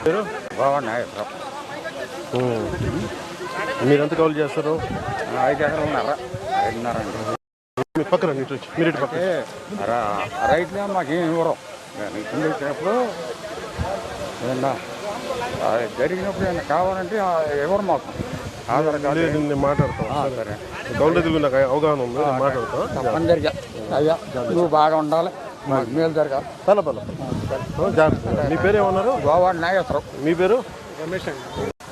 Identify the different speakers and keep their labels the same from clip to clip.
Speaker 1: బాగున్నాయి.
Speaker 2: మీరు ఎంత కాల్ చేస్తారు?
Speaker 1: 5 ఎకరాలున్నారా? 5.5 అండి.
Speaker 2: మీ పక్కన మీరు ఇటు పక్క
Speaker 1: రైతులే మాకేం ఇవ్వరు. ఇబ్బంది వచ్చినప్పుడు ఏదన్నా జరిగినప్పుడు ఏమన్నా కావాలంటే ఎవరు మాకు ఆధార్ కార్డు
Speaker 2: నేను మాట్లాడతాను.
Speaker 1: సరే,
Speaker 2: గౌండ తెలుగు నాకు అవగాహన ఉంది, మాట్లాడతాను.
Speaker 1: తప్పనిసరిగా అయ్యా నువ్వు బాగా ఉండాలి, మాకు మేలు జరగాలి.
Speaker 2: జాగ్రత్త. మీ పేరు ఏమన్నారు?
Speaker 1: గోవాడ నాగేశ్వరం.
Speaker 2: మీ పేరు?
Speaker 1: రమేష్ అండి.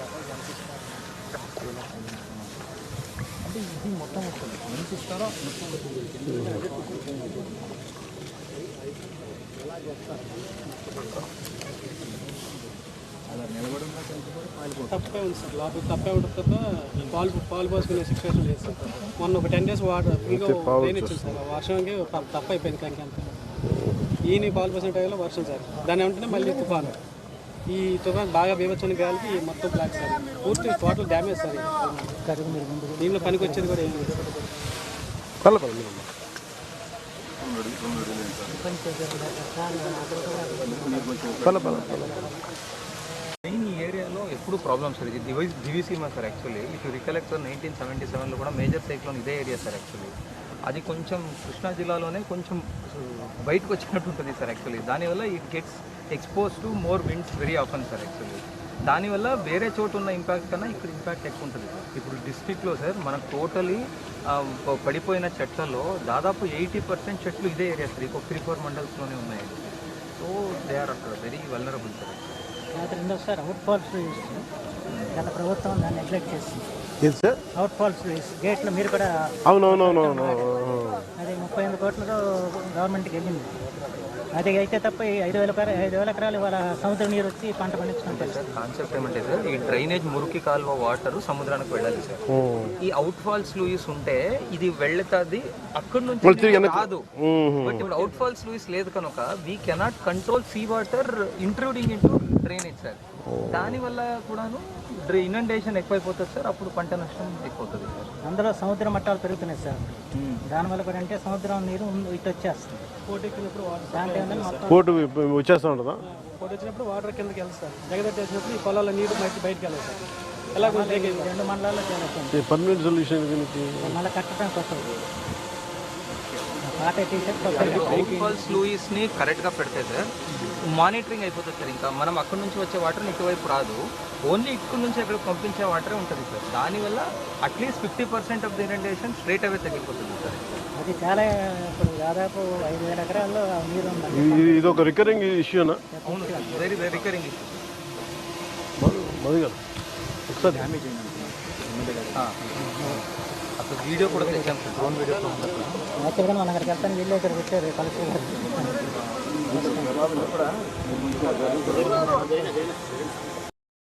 Speaker 3: తప్పే ఉంది సార్, లోపల తప్పే ఉంటుంది తప్ప పాలు పోసుకునే సిచ్యువేషన్ లేదు సార్. మొన్న ఒక 10 days వాటర్ ఇంకా రెయిన్ ఇచ్చింది సార్, వర్షంకి తప్ప అయిపోయింది. కంకంతా ఈయన పాలు పోసిన టైంలో వర్షం సార్, దాని వెంటనే మళ్ళీ తుఫాను. ఈ తుఫాన్ బాగా బీభత్సమైన గాలికి మొత్తం బ్లాక్ సార్, పూర్తి టోటల్ డ్యామేజ్ సార్. దీనిలో పనికి వచ్చేది కూడా ఏం లేదు సార్.
Speaker 4: మెయిన్ ఈ ఏరియాలో ఎప్పుడు ప్రాబ్లమ్స్ సార్. ఇది Diviseema sir. Actually if you recollect sir 1977లో కూడా మేజర్ సైక్లోన్ ఇదే ఏరియా సార్. యాక్చువల్లీ అది కొంచెం కృష్ణా జిల్లాలోనే కొంచెం బయటకు వచ్చినట్టు ఉంటుంది సార్. యాక్చువల్లీ దానివల్ల it gets expose to more winds very often sir. Actually దానివల్ల వేరే చోటు ఉన్న ఇంపాక్ట్ కన్నా ఇక్కడ ఇంపాక్ట్ ఎక్కువ ఉంటుంది. ఇప్పుడు డిస్ట్రిక్ట్లో సార్ మనకు టోటలీ పడిపోయిన చెట్లలో దాదాపు 80% చెట్లు ఇదే ఏరియా సార్. ఇంకొక 3-4 మండల్స్లోనే ఉన్నాయి. సో దే ఆర్ అక్కడ వెరీ వల్నరబుల్ సార్.
Speaker 5: రెండోసారి అవుట్ ఫాల్స్ గత ప్రభుత్వం దాన్ని నెగ్లెక్ట్ చేసింది. అవుట్ ఫాల్స్ గేట్లో మీరు కూడా
Speaker 2: అవునవునవునవును
Speaker 5: అది 38 కోట్లతో గవర్నమెంట్కి వెళ్ళింది. అది అయితే తప్ప 5,000 ఎకరాలు ఇవాళ సముద్ర నీరు వచ్చి పంట పండించుకుంటారు
Speaker 4: సార్. కాన్సెప్ట్ ఏమంటే సార్, ఈ డ్రైనేజ్ మురికి కాలువ వాటర్ సముద్రానికి వెళ్ళాలి సార్. ఈ అవుట్ ఫాల్స్ లూయిస్ ఉంటే ఇది వెళ్తుంది, అక్కడి నుంచి కాదు. బట్ ఇప్పుడు అవుట్ ఫాల్స్ లూయిస్ లేదు కనుక we cannot control sea water intruding into drainage sir. దానివల్ల కూడాను ఇనండేషన్ ఎక్కువైపోతుంది సార్. అప్పుడు పంట నష్టం ఎక్కువవుతుంది సార్.
Speaker 5: అందులో సముద్ర మట్టాలు పెరుగుతున్నాయి సార్. దానివల్ల కూడా అంటే సముద్రం నీరు ఇటు వచ్చేస్తుంది.
Speaker 3: పోటీ ఎక్కినప్పుడు
Speaker 2: కోర్టు వచ్చేస్తూ ఉంటుందా?
Speaker 3: పోటీ వచ్చినప్పుడు వాటర్ కిందకి వెళ్తుంది సార్. జగదట్ చేసినప్పుడు ఈ పొలాల నీరు బయటకు వెళ్ళాలి సార్. ఎలా
Speaker 5: 2 మండలాల్లో చేరుతుంది.
Speaker 2: పర్మనెంట్ సొల్యూషన్
Speaker 5: మళ్ళీ కట్టడం కొత్తది. పాత
Speaker 4: అవుట్ ఫాల్స్ లూయిస్ ని కరెక్ట్గా పెడితే సార్ మానిటరింగ్ అయిపోతుంది సార్. ఇంకా మనం అక్కడి నుంచి వచ్చే వాటర్ ఇటువైపు రాదు, ఓన్లీ ఇక్కడ నుంచి అక్కడ పంపించే వాటరే ఉంటుంది సార్. దానివల్ల అట్లీస్ట్ 50% of the inundation straight away తగ్గిపోతుంది సార్.
Speaker 5: అది చాలా ఇప్పుడు దాదాపు 5,000 ఎకరాల్లో నీరు ఉంది.
Speaker 2: ఇది ఒక రికరింగ్ ఇష్యూనా?
Speaker 4: అవును sir, very very recurring issue.
Speaker 2: ఒకసారి
Speaker 4: అసలు వీడియో కూడా తెచ్చాం సార్, డ్రోన్ వీడియో.
Speaker 5: యాక్చువల్గా మనం అక్కడికి వెళ్తాను, వెళ్ళి అక్కడికి వచ్చారు కలెక్టర్ గారు.